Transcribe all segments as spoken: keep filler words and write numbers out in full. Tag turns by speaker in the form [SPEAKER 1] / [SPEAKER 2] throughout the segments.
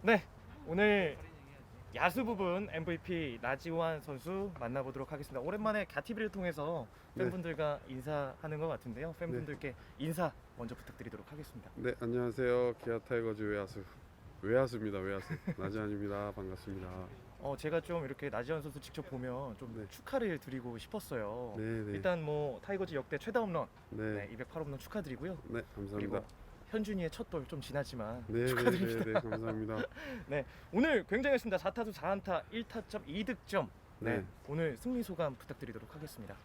[SPEAKER 1] 네, 오늘 야수 부분 엠브이피 나지완 선수 만나보도록 하겠습니다. 오랜만에 갸티비를 통해서 팬분들과 인사하는 것 같은데요. 팬분들께 인사 먼저 부탁드리도록 하겠습니다.
[SPEAKER 2] 네, 안녕하세요. 기아 타이거즈 외야수 외야수입니다. 외야수 나지안입니다. 반갑습니다.
[SPEAKER 1] 어, 제가 좀 이렇게 나지완 선수 직접 보면 좀
[SPEAKER 2] 네.
[SPEAKER 1] 축하를 드리고 싶었어요.
[SPEAKER 2] 네, 네.
[SPEAKER 1] 일단 뭐 타이거즈 역대 최다 홈런
[SPEAKER 2] 네,
[SPEAKER 1] 네, 이백팔 홈런 축하드리고요.
[SPEAKER 2] 네, 감사합니다.
[SPEAKER 1] 그리고 현준이의 첫 돌 좀 지나지만
[SPEAKER 2] 네,
[SPEAKER 1] 축하드립니다.
[SPEAKER 2] 네, 네, 네, 감사합니다.
[SPEAKER 1] 네, 오늘 굉장했습니다. 사 타수 사 안타 일 타점 이 득점. 네,
[SPEAKER 2] 네.
[SPEAKER 1] 오늘 승리 소감 부탁드리도록 하겠습니다.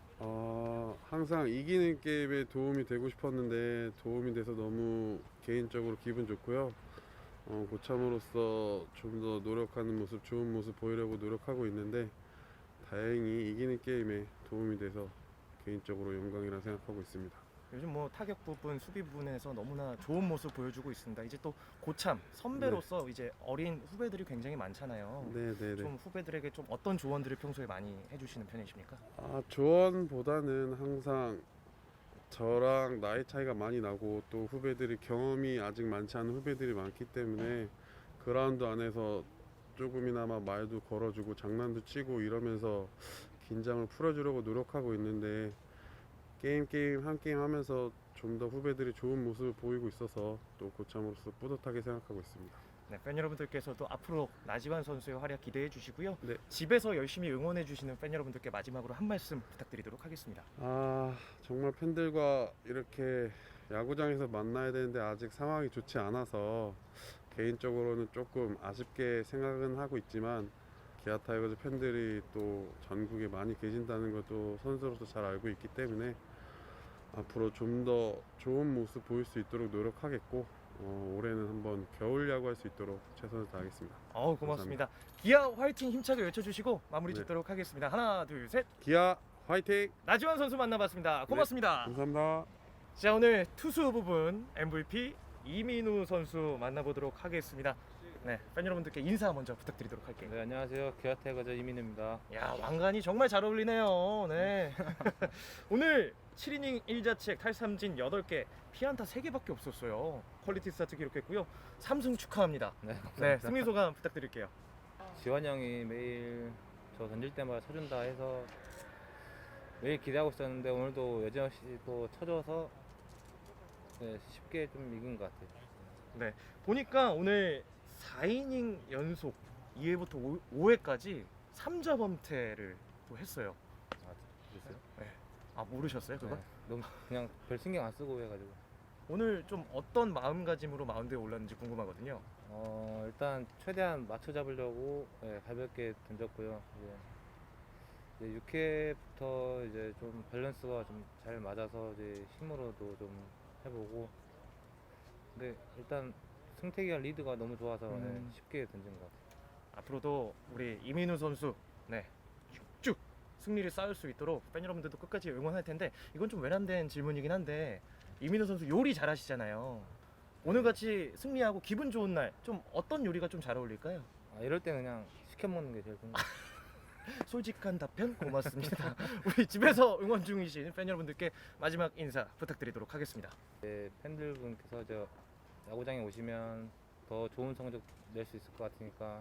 [SPEAKER 2] 어, 항상 이기는 게임에 도움이 되고 싶었는데 도움이 돼서 너무 개인적으로 기분 좋고요. 어, 고참으로서 좀 더 노력하는 모습, 좋은 모습 보이려고 노력하고 있는데 다행히 이기는 게임에 도움이 돼서 개인적으로 영광이라 생각하고 있습니다.
[SPEAKER 1] 요즘 뭐 타격 부분, 수비 부분에서 너무나 좋은 모습 보여주고 있습니다. 이제 또 고참 선배로서 이제 어린 후배들이 굉장히 많잖아요.
[SPEAKER 2] 네, 네, 네.
[SPEAKER 1] 좀 후배들에게 좀 어떤 조언들을 평소에 많이 해주시는 편이십니까?
[SPEAKER 2] 아, 조언보다는 항상 저랑 나이 차이가 많이 나고 또 후배들이 경험이 아직 많지 않은 후배들이 많기 때문에 그라운드 안에서 조금이나마 말도 걸어주고 장난도 치고 이러면서 긴장을 풀어주려고 노력하고 있는데 게임 게임 한 게임 하면서 좀 더 후배들이 좋은 모습을 보이고 있어서 또 고참으로서 뿌듯하게 생각하고 있습니다.
[SPEAKER 1] 네, 팬 여러분들께서도 앞으로 나지완 선수의 활약 기대해 주시고요.
[SPEAKER 2] 네.
[SPEAKER 1] 집에서 열심히 응원해 주시는 팬 여러분들께 마지막으로 한 말씀 부탁드리도록 하겠습니다.
[SPEAKER 2] 아, 정말 팬들과 이렇게 야구장에서 만나야 되는데 아직 상황이 좋지 않아서 개인적으로는 조금 아쉽게 생각은 하고 있지만 기아 타이거즈 팬들이 또 전국에 많이 계신다는 것도 선수로서 잘 알고 있기 때문에 앞으로 좀 더 좋은 모습 보일 수 있도록 노력하겠고 어, 올해는 한번 겨울 야구할 수 있도록 최선을 다하겠습니다.
[SPEAKER 1] 어우, 고맙습니다. 기아 화이팅 힘차게 외쳐주시고 마무리
[SPEAKER 2] 네.
[SPEAKER 1] 짓도록 하겠습니다. 하나, 둘, 셋.
[SPEAKER 2] 기아 화이팅!
[SPEAKER 1] 나지완 선수 만나봤습니다. 고맙습니다.
[SPEAKER 2] 감사합니다.
[SPEAKER 1] 자, 오늘 투수 부분 엠브이피 이민우 선수 만나보도록 하겠습니다. 네, 팬 여러분들께 인사 먼저 부탁드리도록 할게요.
[SPEAKER 3] 네, 안녕하세요. 기아 타이거즈 이민우입니다.
[SPEAKER 1] 야, 왕관이 정말 잘 어울리네요. 네. 오늘 칠 이닝 일 자책 탈삼진 여덟 개, 피안타 세 개밖에 없었어요. 퀄리티 스타트 기록했고요. 삼 승 축하합니다.
[SPEAKER 3] 네, 감사합니다.
[SPEAKER 1] 네, 승리 소감 부탁드릴게요.
[SPEAKER 3] 지환 형이 매일 저 던질 때마다 쳐준다 해서 매일 기대하고 있었는데 오늘도 여지없이 또 쳐줘서 네, 쉽게 좀 이긴 것 같아요.
[SPEAKER 1] 네, 보니까 오늘 사 이닝 연속 이 회부터 오 회까지 삼 자 범퇴를 또 했어요.
[SPEAKER 3] 아, 그랬어요?
[SPEAKER 1] 네. 아, 모르셨어요, 그거?
[SPEAKER 3] 네, 너무 그냥 별 신경 안 쓰고 해가지고
[SPEAKER 1] 오늘 좀 어떤 마음가짐으로 마운드에 올랐는지 궁금하거든요.
[SPEAKER 3] 어, 일단 최대한 맞춰 잡으려고 네, 가볍게 던졌고요. 이제, 이제 육 회부터 이제 좀 밸런스가 좀 잘 맞아서 이제 힘으로도 좀 해보고 근데 일단 승택이가 리드가 너무 좋아서 네,
[SPEAKER 1] 음.
[SPEAKER 3] 쉽게 던진 것 같아요.
[SPEAKER 1] 앞으로도 우리 이민우 선수 네 쭉쭉 승리를 쌓을 수 있도록 팬 여러분들도 끝까지 응원할 텐데 이건 좀 외람된 질문이긴 한데 이민우 선수 요리 잘하시잖아요. 오늘같이 승리하고 기분 좋은 날 좀 어떤 요리가 좀 잘 어울릴까요?
[SPEAKER 3] 아, 이럴 때는 그냥 시켜 먹는 게 제일 좋은 것 같아요.
[SPEAKER 1] 솔직한 답변 고맙습니다. 우리 집에서 응원 중이신 팬 여러분들께 마지막 인사 부탁드리도록 하겠습니다.
[SPEAKER 3] 네, 팬들분께서 저 야구장에 오시면 더 좋은 성적 낼 수 있을 것 같으니까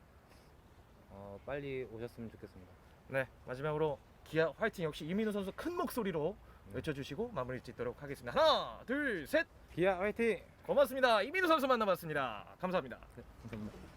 [SPEAKER 3] 어, 빨리 오셨으면 좋겠습니다.
[SPEAKER 1] 네, 마지막으로 기아 화이팅 역시 이민우 선수 큰 목소리로
[SPEAKER 3] 네.
[SPEAKER 1] 외쳐주시고 마무리 짓도록 하겠습니다. 하나, 둘, 셋.
[SPEAKER 3] 기아 화이팅!
[SPEAKER 1] 고맙습니다. 이민우 선수 만나봤습니다. 감사합니다.
[SPEAKER 3] 네, 감사합니다.